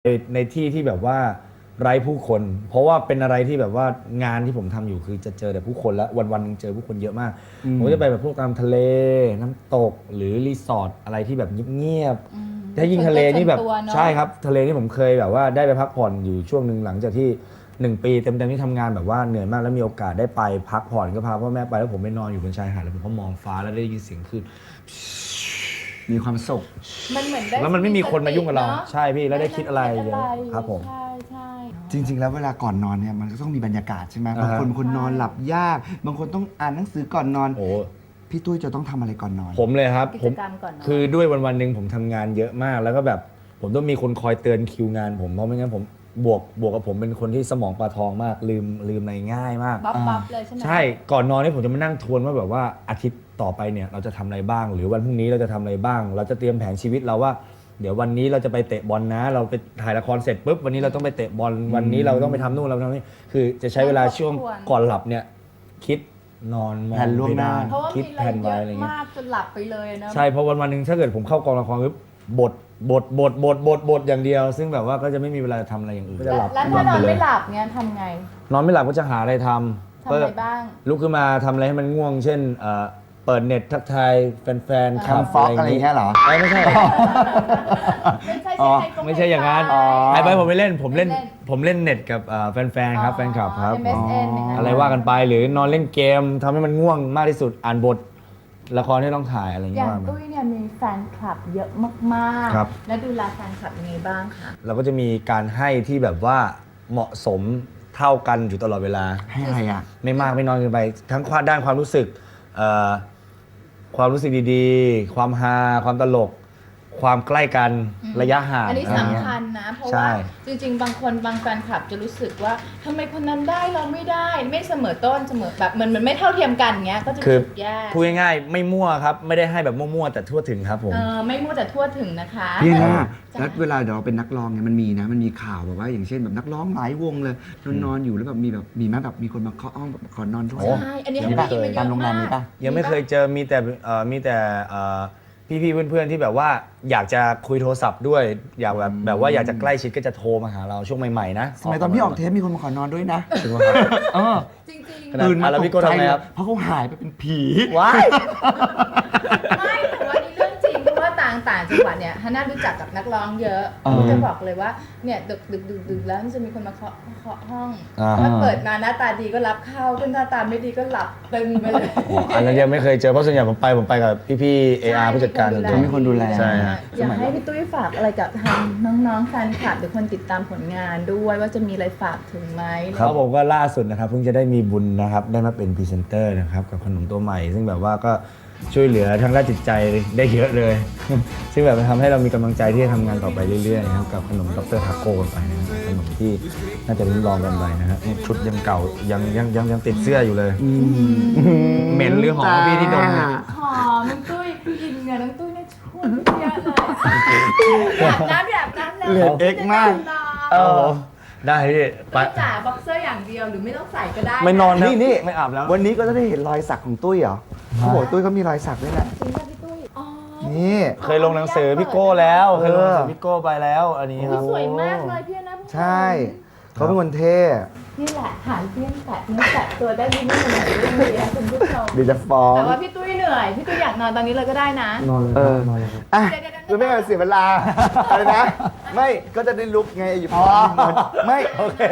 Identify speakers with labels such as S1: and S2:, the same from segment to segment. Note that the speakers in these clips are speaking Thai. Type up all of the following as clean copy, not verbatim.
S1: ในที่ที่แบบว่าไร้ผู้คน เพราะว่าเป็นอะไรที่แบบว่างานที่ผมทำอยู่คือจะเจอแต่ผู้คนแล้ววันๆนึงเจอผู้คนเยอะมากผมจะไปแบบพวกตามทะเลน้ำตกหรือรีสอร์ทอะไรที่แบบเงียบๆถ้ายิ่งทะเลนี่แบบใช่ครับทะเลนี่ผมเคยแบบว่าได้ไปพักผ่อนอยู่ช่วงหนึ่งหลังจากที่1 ปีเต็มๆที่ทำงานแบบว่าเหนื่อยมากแล้วมีโอกาสได้ไปพักผ่อนก็พาพ่อแม่ไปแล้วผมไปนอนอยู่บนชายหาดแล้วผมก็มองฟ้าแล้วได้ยินเสียงคลื่น
S2: มีความสุข
S3: มันเหมือนได้
S1: แล้วมันไม่มีคนมายุ่งกับเรา
S3: เนอะ
S1: ใช่พี่แล้วได้คิดอะไรเยอะครับผม
S3: ใช่ใช่
S2: จริง ๆ แล้วเวลาก่อนนอนเนี่ยมันก็ต้องมีบรรยากาศใช่ไหมบางคนนอนหลับยาก บางคนต้องอ่านหนังสือก่อนนอน
S1: โอ้
S2: พี่ตุ้ยจะต้องทำอะไรก่อนนอน
S1: ผมเลยครับ
S3: กิ
S1: ผ
S3: จ
S1: ม
S3: กรรมก่อนเนอะ
S1: คือด้วยวันๆหนึ่งผมทำงานเยอะมากแล้วก็แบบผมต้องมีคนคอยเตือนคิวงานผมเพราะไม่งั้นผมบวกกับผมเป็นคนที่สมองปลาทองมากลืมอะไรง่ายมาก
S3: บัฟเลยใช่ไหม
S1: ใช่ก่อนนอนนี่ผมจะมานั่งทวนว่าแบบว่าอาทิตย์ต่อไปเนี่ยเราจะทำอะไรบ้าง หรือวันพรุ่งนี้เราจะทำอะไรบ้าง เราจะเตรียมแผนชีวิตเราว่า เดี๋ยววันนี้เราจะไปเตะบอลนะ เราไปถ่ายละครเสร็จปุ๊บวันนี้เราต้องไปเตะบอลวันนี้เราต้องไปทำนู่นเราทำนี่คือจะใช้เวลาช่วงก่อนหลับเนี่ยคิดนอนมอง
S2: แผนล่วงหน้า
S3: เพราะว่า
S1: คิด
S3: มี
S1: แผน
S3: เย
S1: ไว้
S3: อะ
S1: อะไรเงี้ย
S3: มากจนหลับไปเลยนะ
S1: ใช่เพราะวันหนึ่งถ้าเกิดผมเข้ากองละครปุ๊บบทอย่างเดียว ซึ่งแบบว่าก็จะไม่มีเวลาทำอะไรอย่างอื่นก็จะหลับ
S3: แล้วถ้านอนไม่หลับเนี่ยทำไง
S1: นอนไม่หลับก็จะหาอะไรท
S3: ทำ
S1: ำ
S3: อะไรบ้าง
S1: ลุกขึ้นมาทำอะไรให้มันง่วง เช่นเปิดเน็ตทักทายแฟนๆ
S2: ทำฟ็อกอะไรอย่างเงี้ยเหรอ
S1: ไม่ใช่
S3: ไม่ใช่
S2: อ๋อ
S1: ไม่ใช่อย่างนั้น
S3: อ๋อ
S1: ไอ้ไปผมไม่เล่นผมเล่นเน็ตกับแฟนๆครับแฟนคลับครับ
S3: MSN อย่างนั้น
S1: อะไรว่ากันไปหรือนอนเล่นเกมทำให้มันง่วงมากที่สุดอ่านบทละครที่ต้องถ่ายอะไรอย่าง
S3: อ
S1: เงี้
S3: ย่าง
S1: ย
S3: ตุ้ยเนี่ยมีแฟนคลับเยอะมาก
S1: ครับ
S3: ๆ แล้วดูแลแฟนคลับยังไงบ้างคะ
S1: เราก็จะมีการให้ที่แบบว่าเหมาะสมเท่ากันอยู่ตลอดเวลา
S2: ให้อะไรอ่ะ
S1: ไม่มากไม่น้อยเกินไป ทั้งด้านความรู้สึกความรู้สึกดีๆ ความฮาความตลก ความใกล้กันระยะห่าง
S3: อันนี้
S1: อะไรเงี้ย
S3: สำคัญนะ เพราะ
S1: ใช่
S3: ว่าจริงๆ บางแฟนคลับจะรู้สึกว่าทำไมคนนั้นได้เราไม่ได้ ไม่เสมอต้นเสมอแบบมันไม่เท่าเทียมกันเงี้ยก็จะ
S1: คือ
S3: รู้สึกแย่
S1: พูดง่ายๆไม่มั่วครับ ไม่ได้ให้แบบมั่วๆแต่ทั่วถึงครับผม
S3: ไม่มั่วแต่ทั่วถึงนะคะ
S2: พี่นะ
S3: จ้ะ
S2: แล้วเวลาเดี๋ยวเราเป็นนักร้องเนี่ยมันมีข่าวแบบว่าอย่างเช่นแบบนักร้องหลายวงเลยนอนอยู่แล้วแบบมีไหมแบบมีคนมาเคาะห้องแบบขอนอนด้วย
S3: ใช่อันนี้
S2: มีปะ
S3: ให้ได้ยินมาเยอะ
S2: ตามโรงแรมมีปะ
S1: ยังไม่เคยเจอมีแต่พี่ๆเพื่อนๆที่แบบว่าอยากจะคุยโทรศัพท์ด้วย อยากแบบว่าอยากจะใกล้ชิดก็จะโทรมาหาเราช่วงใหม่ๆนะ
S2: สมัยตอนพี่ออกเทปมีคนมาขอนอนด้วยนะ
S1: ถึงว่าครับ
S2: เออ
S3: จริง
S1: ขนาด
S2: ตื่นมา
S1: แล้ว
S2: ต
S1: พี่
S2: ก
S1: โก้
S2: ใจ
S1: ทำไง
S2: เลย
S1: ครับ
S2: เพราะเขาหายไปเป็นผี
S1: ว้าย
S3: ๆไม่แต่ว่านี่เรื่องจริงเพราะว่าต่างจังหวัดเนี่ยฮันน่ารู้จักกับนักร้องเยอะจะบอกเลยว่าเนี่ยดึกแล้วมันจะมีคนมาเคาะห้องถ้าเปิดมาหน้าตาดีก็รับเข้าถ้าหน้าตาไม่ดีก็หลับตึงไปเลย
S1: อันนั้นยังไม่เคยเจอเพราะส่วนใหญ่ผมไปกับพี่ๆ AR ผู้จัดการส่วนตัว
S2: มีคนดูแล
S1: ใช่ฮะ
S3: อยากให้พี่ตุ้ยฝากอะไรกับทางน้องๆแฟนคลับหรือคนติดตามผลงานด้วยว่าจะมีอะไรฝากถึงไหม
S1: ครับผมก็ล่าสุดนะครับเพิ่งจะได้มีบุญนะครับได้มาเป็นพรีเซนเตอร์นะครับกับขนมตัวใหม่ ซึ่งแบบว่าก็ช่วยเหลือทางด้านจิตใจได้เยอะเลย ซึ่งแบบมันทำให้เรามีกำลังใจที่จะทำงานต่อไปเรื่อยๆนะครับกับขนมดรทาโก้ไปนะครับขนมที่น่าจะริมลองกันไปนะฮะนี่ชุดยังเก่ายังติดเสื้ออยู่เลยเหม็นหรือหอมพี่ที่ดมเนี่ย
S3: หอมน้องตุ้ยพี่อินเนี่ยน้องตุ้ยเนี่ยชุ่มเยอะเลยแบบนั้นเลย
S2: เลือดเอ็กซ์มาก
S1: โอ้โหได้พี่ไป
S3: ตุ้ยจ๋าบ็อกเซอร์อย่างเดียวหรือไม่ต้องใส่ก็ได้
S1: ไม่นอนนะ
S2: นี่
S1: ไม่อาบแล้ว
S2: วันนี้ก็จะได้เห็นรอยสักของตุ้ยเหรอเขาบอกตุ้ยเขามีรอยสักด้วยนะ
S3: จริงป่ะพี่ตุ้ยอ๋อ
S2: นี่
S1: เคยลงหนังสือพี่โก้แล้วเคยลงหนังสือพี่โก้ไปแล้วอันนี้ครับ
S3: สวยมากเลยพี่นะ
S2: ใช่เขาเป็นคนเท่
S3: นี่แหละหาเพี้ยนแตะเนื้อแตะตัวได้ดีไม่เหนื่อยเลยนะคุณผู้ชม
S2: เดี๋ยวจะฟ้อง
S3: แต่ว่าพี่ตุ้ยเหนื่อยพี่ตุ้ยอยากนอนตอนนี้เลยก็ได้นะ
S1: นอนเลย
S2: เออ
S1: นอนเลยครับ
S2: อ่ะ
S3: เดี๋ยวๆๆ
S2: คือไม่ให้เสียเวลา อะไรนะ ไม่ก็จะได้ลุกไงอยู่พอไม่โอเค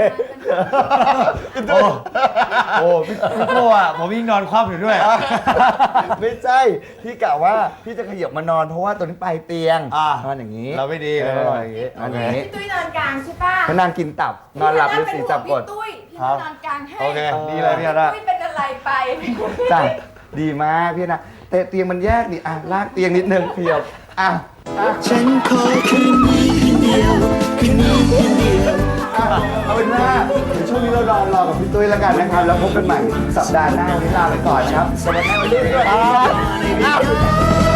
S1: โอ้พี่โก้อะผมยิ่งนอนคว่ำอยู่ด้วย
S2: ไม่ใช่พี่กะว่าพี่จะขยับมานอนเพราะว่าตัวนี้ปลายเตียง
S1: อ่ะ
S2: นอนอย่างนี้
S1: เราไม่ดี
S2: เอ
S1: เรา
S2: อ
S1: นอนอย่างนี้
S2: นอนอย่างนี้
S3: พี่ตุ้ยนอนกลางใช่ป่ะ
S2: เขานางกินตับ นอนหลับหรือสีจับกด
S3: พี่ตุ้ยพี่
S1: ครับ
S3: นอนกลางให้
S1: โอเคดีเลยพี่อาร์ต
S3: ตุ้ยเป็นอะไรไป
S2: จ้ะดีมากพี่นะแต่เตียงมันแยกนี่อ่ะลากเตียงนิดนึงเพียวอ่ะ
S4: ฉันขอคืนนี้คืนเดียวคืนนี้คืนเดียว
S2: เอาเป็นว่าเดี๋ยวช่วงนี้เรารอกับพี่ตุ้ยแล้วกันนะครับ แล้วพบกันใหม่สัปดาห์หน้าวันนี้ลาไปก่อนนะครับสวัสดีครับ